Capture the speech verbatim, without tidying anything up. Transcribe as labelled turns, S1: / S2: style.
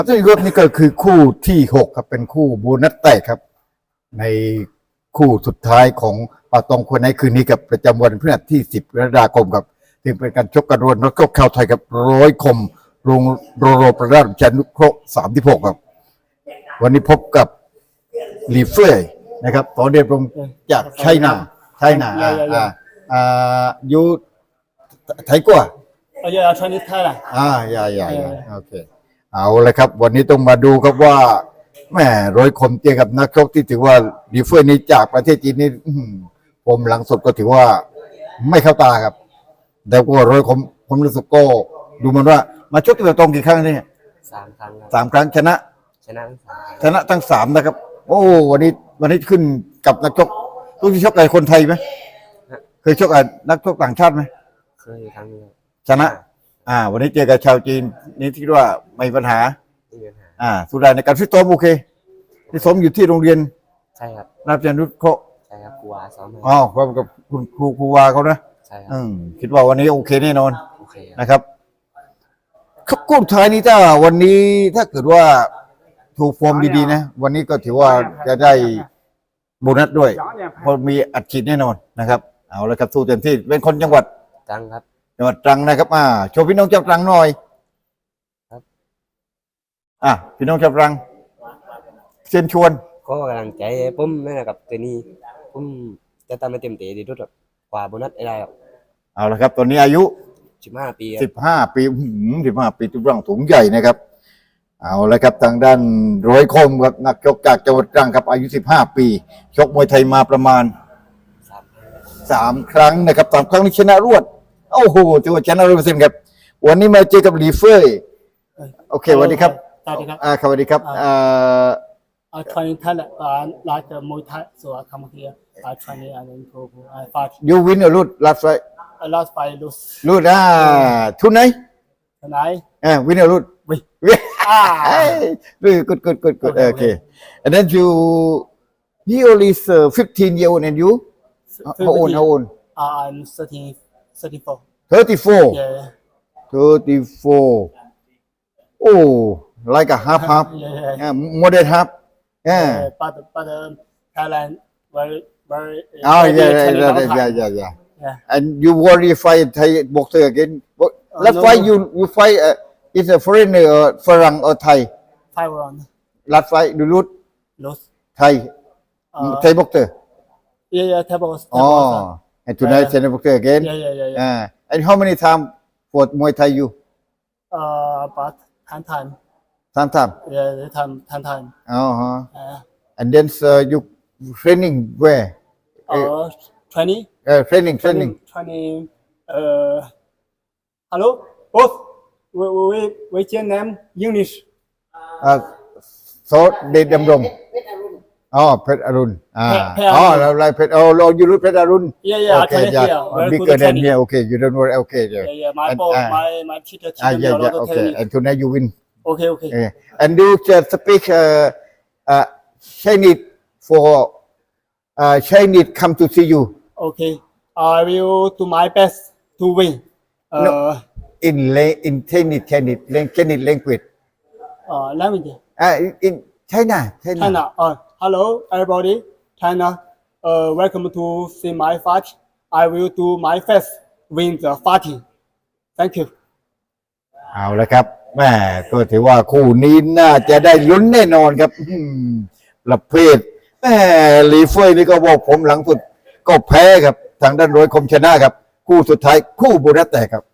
S1: ที่รถนี่ก็คือคู่ที่หกครับเป็นคู่โบนัสแตกครับในคู่สุดท้ายของปาตองคนในคืนนี้กับประจำวันพฤหัสที่สิบกรกฎาคมครับถึงเป็นการชกกันรวนแล้วก็เข้าไทยกับร้อยคมโรงโรโรประดาชันุเคราะห์สามที่หกครับวันนี้พบกับลีเฟ่นะครับตอนเดียรงจากไชน่าไชน่าอ่าอ่าอ่าอยู่ไทยกว่า
S2: 哦，要要穿的太了。
S1: อ่าอย่าอย่าอย่าโอเคเอาเลยครับวันนี้ต้องมาดูครับว่าแม่ร้อยคมเจอกับนักชกที่ถือว่าลีเฟ่นี้จากประเทศจีนนี่ผมหลังสุดก็ถือว่าไม่เข้าตาครับแต่ว่าร้อยคมผมรู้สึกก็ดูมันว่ามาชกที่ตรงกี่ครั้งเนี่ย
S3: สามครั้ง
S1: สามครั้งชนะ
S3: ชนะทั้งสาม
S1: ชนะทั้งสามนะครับโอ้วันนี้วันนี้ขึ้นกับนักชกทุกที่ชกกับคนไทยไหมเคยชกกับนักชกต่างชาติไหม
S3: เคยครั้งนึง
S1: ชนะอ่าวันนี้เจอกับชาวจีนนี่ที่ว่าไม่มีปัญหา
S3: ไม่มีปัญหา
S1: อ่าสุดท้ายในการฟิตซ้อมโอเคฟิตซ้อมอยู่ที่โรงเรียน
S3: ใช่ครับ
S1: ราชนุเคราะห์
S3: ใช่ครับครูวาซ้อม
S1: อ๋อพร้อมกับคุณครูครูวาเขานะ
S3: ใช่ครับ
S1: อืมคิดว่าวันนี้โอเคแน่นอน
S3: โอเค
S1: นะครับคู่ท้ายนี้ถ้าวันนี้ถ้าเกิดว่าถูกฟอร์มดีๆนะวันนี้ก็ถือว่าจะได้โบนัสด้วยเพราะมีอัดฉีดแน่นอนนะครับเอาละครับสู้เต็มที่เป็นคนจังหวัด
S3: ตรังครับ
S1: จังหวัดตรังนะครับอ่าโชว์พี่น้องชาวตรังหน่อย
S3: ครับ
S1: อ่ะพี่น้องชาวตรังเชิญชวน
S3: ก็กำลังใจผมนั่นแหละครับตัวนี้ผมจะทำให้เต็มที่ดีที่สุดกว่าโบนัสได้ครับ
S1: เอาละครับตอนนี้อายุ
S3: สิบห้าปี
S1: สิบห้าปีสิบห้าปีตัวร่างสูงใหญ่นะครับเอาละครับทางด้านร้อยคมครับนักชกจากจังหวัดตรังครับอายุสิบห้าปีชกมวยไทยมาประมาณสามครั้งนะครับสามครั้งนี้ชนะรวดโอ้โหถือว่าชนะร้อยเปอร์เซ็นต์ครับวันนี้มาเจอกับลีเฟ่โอเคสวัสดีครับ
S2: สวัสดีครับ
S1: อ่าสวัสดีครับอ่า
S2: I train Thailand, uh, like uh, Muay Thai, so I come here, I train and improve. I fight.
S1: You win or lose last fight?
S2: I lost by lose.
S1: Lose ah tonight?
S2: Tonight?
S1: Ah, win or lose?
S2: Win.
S1: Ah, very good, good, good, good. Okay, okay. And then you, he only is uh, fifteen year old, and you? How old? How old?
S2: Uh, I'm thirty, thirty-four.
S1: Thirty-four.
S2: Yeah.
S1: Thirty-four. Oh, like a half, half.
S2: Yeah, yeah.
S1: Yeah, more than half. Yeah.
S2: Uh, but but um, Thailand very very.
S1: Oh
S2: very
S1: yeah, yeah,
S2: training
S1: yeah,
S2: long
S1: yeah,
S2: time.
S1: yeah, yeah.
S2: Yeah.
S1: And you worry fight Thai boxer again? What-
S2: Uh,
S1: Last
S2: no,
S1: fight
S2: no.
S1: you you fight uh, is a foreigner or Farang or Thai?
S2: Five round.
S1: Last fight you lose
S2: Lose.
S1: Thai
S2: Uh,
S1: Thai boxer.
S2: Yeah, yeah. Table.
S1: Oh, and tonight
S2: Yeah, yeah.
S1: Thai boxer again.
S2: Yeah, yeah, yeah, yeah.
S1: Uh, and how many time for Muay Thai you?
S2: Uh, but ten time.
S1: Some time.
S2: Yeah, the time ten time.
S1: Uh huh.
S2: Uh,
S1: And then uh, you training where?
S2: uh, twenty.
S1: Uh, training, training.
S2: Training. Uh, hello, both. We we we can name English.
S1: Uh, so they them dom. Oh, Pet Arun. Ah.
S2: Pet
S1: Oh,
S2: Arun.
S1: like Pet. Oh, Lord, you look Pet Arun.
S2: Yeah, yeah.
S1: Okay,
S2: I train
S1: yeah.
S2: here. Very
S1: Bigger
S2: good
S1: than
S2: training.
S1: here. Okay, you don't worry. Okay, yeah.
S2: Yeah, yeah. My
S1: And,
S2: boss,
S1: uh,
S2: my my teacher
S1: Ah,
S2: teach me
S1: yeah,
S2: a lot
S1: yeah.
S2: of
S1: Okay,
S2: technique.
S1: and tonight you win.
S2: Okay, okay.
S1: Yeah. And you just speak uh, uh, Chinese for uh, Chinese come to see you
S2: Okay. I will do my best to win. Uh,
S1: No. in la- in Chinese Chinese lang- Chinese language.
S2: uh, language.
S1: Uh, in, in China, China.
S2: China. Uh, hello, everybody. China. Uh, welcome to see my fight. I will do my best win the fighting. Thank you.
S1: เอาละครับแม่ก็ถือว่าคู่นี้น่าจะได้ลุ้นแน่นอนครับอืมประเภทแม่ลีเฟยนี่ก็บอกผมหลังสุดก็แพ้ครับทางด้านร้อยคมชนะครับ คู่สุดท้ายคู่โบนัสแตกครับ